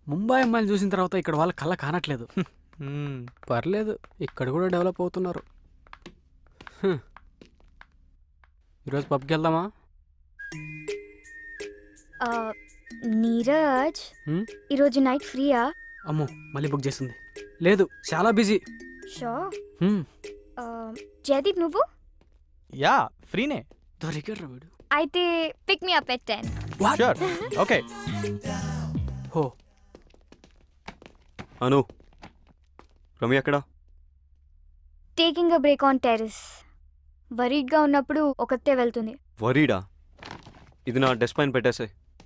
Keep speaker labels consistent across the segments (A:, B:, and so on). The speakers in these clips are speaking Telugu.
A: ముంబై అమ్మాయిలు చూసిన తర్వాత ఇక్కడ వాళ్ళ కళ్ళ కానట్లేదు. పర్లేదు, ఇక్కడ కూడా డెవలప్ అవుతున్నారు. ఈరోజు పబ్కి వెళ్దామా?
B: నీరజ్,
A: హ్మ్?
B: ఈరోజు నైట్ ఫ్రీయా?
A: అమ్మో, మళ్ళీ బుక్ చేసింది. లేదు, చాలా బిజీ.
B: షో. జయదీప్, నువ్వు?
C: యా, ఫ్రీనే.
A: దొరికాడు వీడు.
B: అయితే pick me up at 10.
C: Sure, okay.
A: హో,
D: అను, రమ్య ఎక్కడా?
B: Taking a break on terrace. వరీడ్గా ఉన్నప్పుడు ఒకతే వెళ్తుంది.
D: వరీడా? ఇది నా డెస్క్ పైన పెట్టేసే.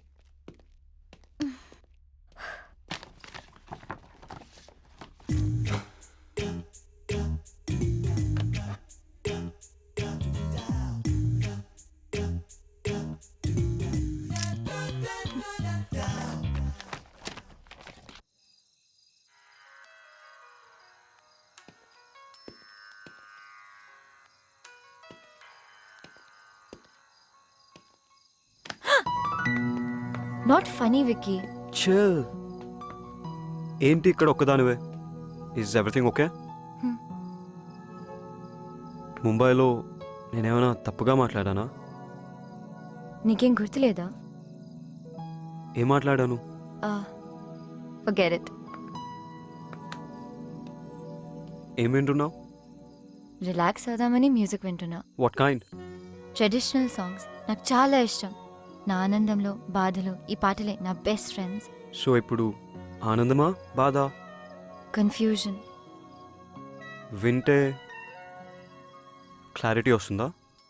B: Not funny Vicky.
D: చిల్. ఏంటి ఇక్కడ ఒక్కదానివే? Is everything okay?
B: Hmm.
D: ముంబైలో నేనేమైనా తప్పుగా మాట్లాడానా?
B: నీకేం గుర్తులేదా?
D: ఏం మాట్లాడాను?
B: Forget it.
D: ఏం వింటున్నావు?
B: రిలాక్స్ అవుదామని మ్యూజిక్ వింటున్నా.
D: What kind?
B: ట్రెడిషనల్ సాంగ్స్ నాకు చాలా ఇష్టం. నా ఆనందంలో, బాధలో ఈ పాటలే నా బెస్ట్ ఫ్రెండ్స్.
D: సో ఇప్పుడు ఆనందమా, బాధ?
B: కన్ఫ్యూజన్.
D: వింటే క్లారిటీ వస్తుందా?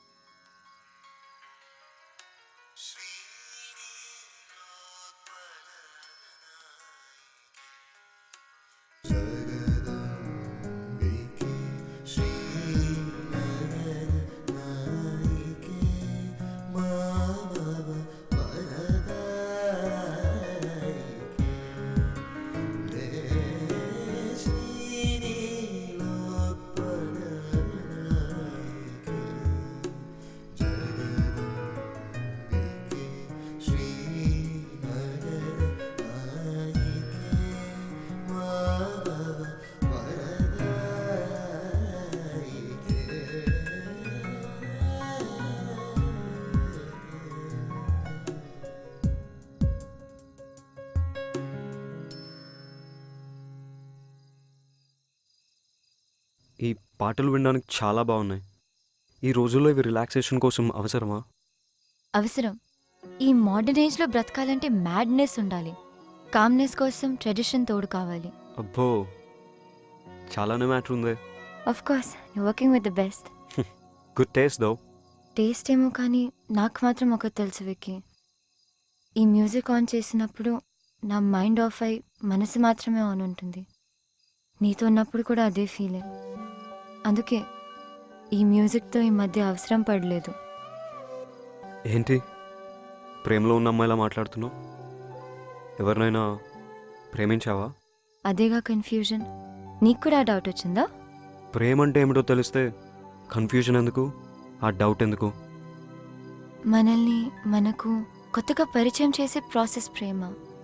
D: ఈ పాటలు వినడానికి చాలా బాగున్నాయి. ఈ రోజుల్లో ఇవి రిలాక్సేషన్ కోసం అవసరమా?
B: అవసరం. ఈ మోడర్న్ ఏజ్లో బ్రతకాలంటే మ్యాడ్నెస్ ఉండాలి. కామ్నెస్ కోసం ట్రెడిషన్ తోడు కావాలి.
D: అబ్బో, చాలానే మ్యాటర్ ఉంది.
B: Of course, you working with the best.
D: Good taste though.
B: Taste ఏమో కానీ నాకు మాత్రం ఒకటి తెలుసు విక్కీ. ఈ మ్యూజిక్ ఆన్ చేసినప్పుడు నా మైండ్ ఆఫ్ అయి మనసు మాత్రమే ఆన్ ఉంటుంది. నీతో ఉన్నప్పుడు కూడా అదే ఫీలింగ్. అందుకే ఈ మ్యూజిక్తో ఈ మధ్య అవసరం పడలేదు.
D: ఏంటి ప్రేమలో ఉన్న అమ్మాయిలా మాట్లాడుతున్నావు? ఎవరినైనా ప్రేమించావా?
B: అదేగా కన్ఫ్యూజన్. నీకు కూడా ఆ డౌట్ వచ్చిందా?
D: ప్రేమ అంటే ఏమిటో తెలిస్తే కన్ఫ్యూజన్ ఎందుకు, ఆ డౌట్ ఎందుకు?
B: మనల్ని మనకు కొత్తగా పరిచయం చేసే ప్రాసెస్ ప్రేమ.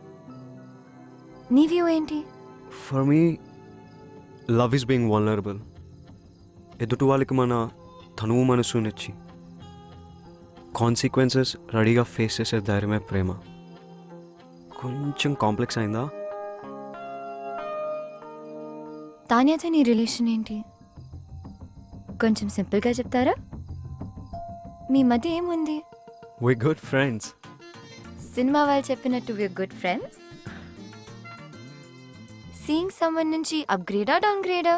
B: నీ వ్యూ ఏంటి?
D: For me love is being vulnerable. ఎదుటి వాళ్ళకి మన తనువు మనసునిచ్చి కాన్సిక్వెన్సెస్ రెడీగా ఫేస్ చేసే ధైర్యమే ప్రేమ. కొంచెం కాంప్లెక్స్ అయిందా?
B: తాన్యాతో నీ రిలేషన్ ఏంటి? కొంచెం సింపుల్గా చెప్తారా? మీ మధ్య ఏముంది?
D: వి గుడ్ ఫ్రెండ్స్.
B: సినిమా వాళ్ళు చెప్పినట్టు we good friends. Seeing someone నుంచి అప్గ్రేడా డౌన్గ్రేడా?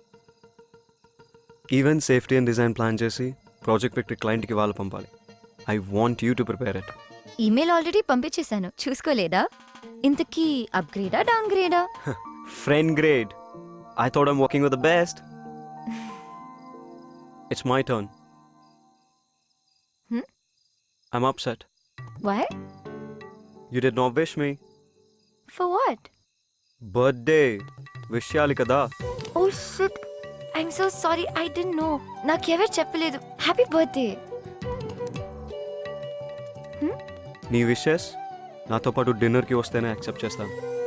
D: Event safety and design plan చేసి ప్రాజెక్ట్ వ్యక్తి క్లయింట్కి వాళ్ళు పంపాలి. I want you to prepare it.
B: Email already పంపించేశాను, చూసుకోలేదా? ఇంతకీ అప్గ్రేడా డౌన్గ్రేడా?
D: Friend grade. I thought I'm working with the best. It's my turn. I'm upset.
B: Why?
D: You did not wish me.
B: For what?
D: Birthday. Wish cheyali kada.
B: Oh shit. I'm so sorry. I didn't know. నాకెవరు చెప్పలేదు. Happy birthday.
D: నీ విషెస్ నాతో పాటు డిన్నర్కి వస్తేనే యాక్సెప్ట్ చేస్తాను.